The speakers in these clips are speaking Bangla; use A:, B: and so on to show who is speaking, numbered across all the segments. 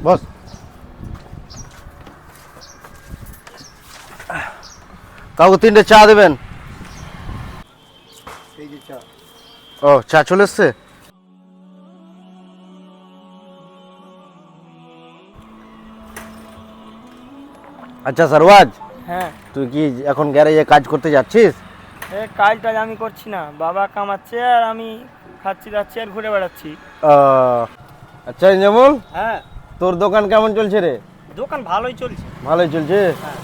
A: বস। কাউকে 3টে চা দেবেন।
B: এই যে চা।
A: ও, চা চলে এসছে। আচ্ছা সরওয়াজ,
C: হ্যাঁ,
A: তুই কি এখন গ্যারেজে কাজ করতে যাচ্ছিস?
C: কাজ টাজ আমি করছি না, বাবা কামাচ্ছে আর আমি খাচ্ছি যাচ্ছি আর ঘুরে বেড়াচ্ছি।
A: আচ্ছা ইনজামুল,
C: হ্যাঁ,
A: তোর দোকান কেমন চলছে রে?
C: দোকান ভালোই চলছে।
A: ভালোই চলছে।
C: হ্যাঁ।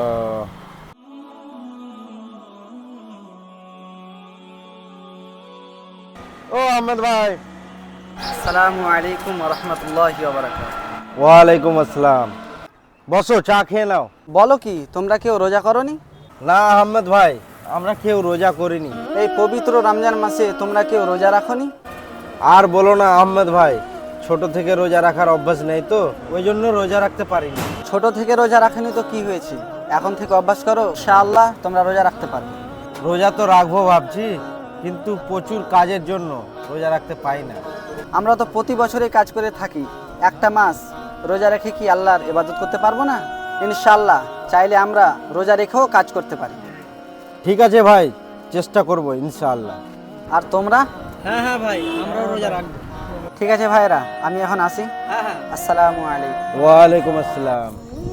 A: ও আহমেদ ভাই।
C: আসসালামু আলাইকুম ওয়া রাহমাতুল্লাহি ওয়া বারাকাতুহু।
A: ওয়ালাইকুম আসসালাম। বসো, চা খেয়ে নাও।
D: বলো কি, তোমরা কেউ রোজা করনি?
A: না আহমেদ ভাই, আমরা কেউ রোজা করিনি।
D: এই পবিত্র রমজান মাসে তোমরা কেউ রোজা রাখনি?
A: আর বলো না আহমেদ ভাই, ছোট থেকে রোজা রাখার অভ্যাস নেই তো, ওই জন্য রোজা রাখতে পারিনি।
D: ছোট থেকে রোজা রাখনি তো কি হয়েছে, এখন থেকে অভ্যাস করো, ইনশাআল্লাহ তোমরা রোজা রাখতে পারবে।
A: রোজা তো রাখবো ভাবছি, কিন্তু প্রচুর কাজের জন্য রোজা রাখতে পাই না।
D: আমরা তো প্রতি বছরই কাজ করে থাকি, একটা মাস রোজা রেখে কি আল্লাহর ইবাদত করতে পারবো না? ইনশাআল্লাহ চাইলে আমরা রোজা রেখেও কাজ করতে পারি।
A: ঠিক আছে ভাই, চেষ্টা করব ইনশাআল্লাহ।
D: আর তোমরা?
C: হ্যাঁ হ্যাঁ ভাই, আমরাও রোজা রাখবো।
D: ঠিক আছে ভাইরা, আমি এখন আসি।
C: হ্যাঁ হ্যাঁ।
D: আসসালামু আলাইকুম।
A: ওয়ালাইকুম আসসালাম।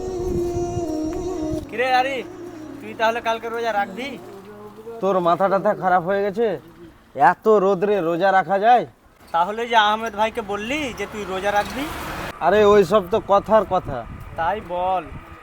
C: কিরে আরি, তুই তাহলে কালকে রোজা রাখবি?
A: তোর মাথা টাথা খারাপ হয়ে গেছে? এত রোদরে রোজা রাখা যায়?
C: তাহলে যে আহমেদ ভাইকে বললি যে তুই রোজা রাখবি?
A: আরে ওই সব তো কথার কথা।
C: তাই বল।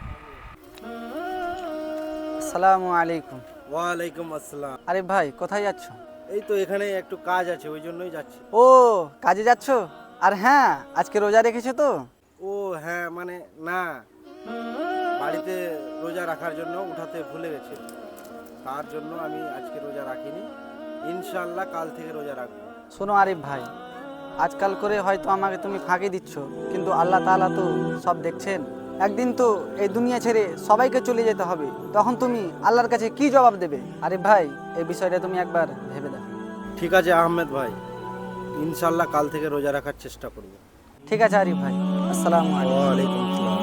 D: আসসালামু আলাইকুম।
A: ওয়ালাইকুম আসসালাম।
D: আরে ভাই, কোথায় যাচ্ছ?
A: এই তো এখানে একটু কাজ আছে, ওই জন্যই যাচ্ছি।
D: ও, কাজে যাচ্ছ? আর হ্যাঁ, আজকে রোজা রেখেছো তো?
A: ও হ্যাঁ, মানে না, বাড়িতে রোজা রাখার জন্য উঠাতে ভুলে গেছে, তার জন্য আমি আজকে রোজা রাখিনি। ইনশাআল্লাহ কাল থেকে রোজা রাখবো।
D: শোনো আরিফ ভাই, আজকাল করে হয়তো আমাকে তুমি ফাঁকি দিচ্ছ, কিন্তু আল্লাহ তাআলা তো সব দেখছেন। একদিন তো এই দুনিয়া ছেড়ে সবাইকে চলে যেতে হবে, তখন তুমি আল্লাহর কাছে কি জবাব দেবে? আরিফ ভাই, এই বিষয়টা তুমি একবার ভেবে দেখো।
A: ঠিক আছে আহমেদ ভাই, ইনশাআল্লাহ কাল থেকে রোজা রাখার চেষ্টা করব।
D: ঠিক আছে আরিফ ভাই, আসসালামু আলাইকুম।
A: ওয়ালাইকুম আসসালাম।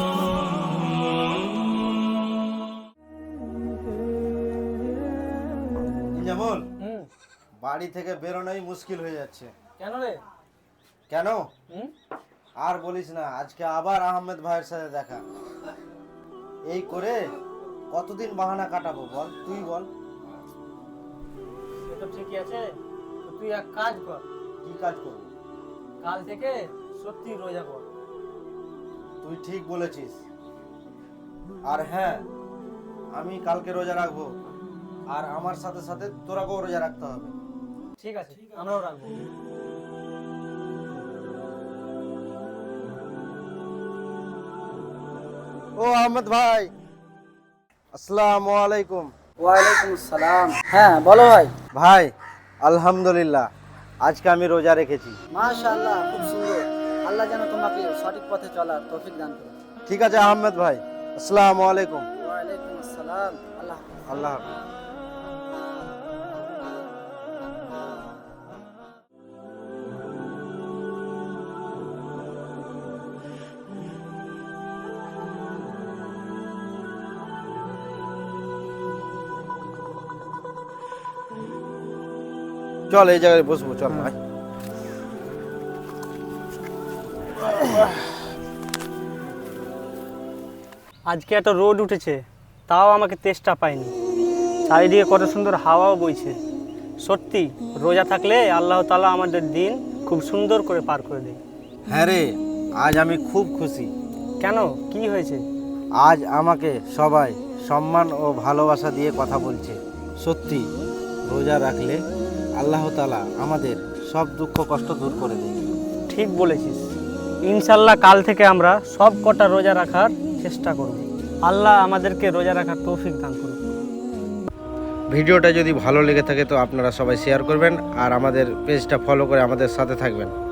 A: যেমন বাড়ি থেকে বেরোনোই মুশকিল হয়ে যাচ্ছে।
C: কেন রে?
A: কেন আর বলিস না, আজকে আবার আহমেদ ভাইয়ের সাথে দেখা। এই করে কতদিন বাহানা কাটাবো বল, তুই বল।
C: সে তো ঠিকই আছে, তো তুই এক কাজ কর,
A: কি কাজ করবো?
C: কাল থেকে সত্যি রোজা কর।
A: তুই ঠিক বলেছিস। আর হ্যাঁ, আমি কালকে রোজা রাখবো, আর আমার সাথে সাথে তোরাকেও রোজা রাখতে হবে।
C: ঠিক আছে, আমরাও রাখবো।
A: ও আহমেদ ভাই, আসসালামু আলাইকুম।
D: ওয়ালাইকুম আসসালাম। হ্যাঁ বলো ভাই।
A: ভাই আলহামদুলিল্লাহ, আজকে আমি রোজা রেখেছি।
D: মাশাআল্লাহ, খুব সুন্দর। আল্লাহ যেন তোমাকে সঠিক পথে চলার তৌফিক দান করে।
A: ঠিক আছে আহমেদ ভাই, আসসালামু আলাইকুম।
D: ওয়ালাইকুম আসসালাম। আল্লাহ হাফেজ।
A: আল্লাহ হাফেজ। চল এই জায়গায় বসবো, চল ভাই।
C: আজকে এত রোদ উঠেছে, তাও আমাকে তেষ্টা পায়নি। চারিদিকে কত সুন্দর হাওয়াও বইছে। সত্যি রোজা থাকলে আল্লাহ তাআলা আমাদের দিন খুব সুন্দর করে পার করে দেয়।
A: হ্যাঁ রে, আজ আমি খুব খুশি।
C: কেন, কি হয়েছে?
A: আজ আমাকে সবাই সম্মান ও ভালোবাসা দিয়ে কথা বলছে। সত্যি রোজা রাখলে আল্লাহ তাআলা আমাদের সব দুঃখ কষ্ট দূর করে দেয়।
C: ঠিক বলেছিস। ইনশাল্লাহ কাল থেকে আমরা সব কটা রোজা রাখার চেষ্টা করব। আল্লাহ আমাদেরকে রোজা রাখার তৌফিক দান করুন।
A: ভিডিওটা যদি ভালো লেগে থাকে তো আপনারা সবাই শেয়ার করবেন, আর আমাদের পেজটা ফলো করে আমাদের সাথে থাকবেন।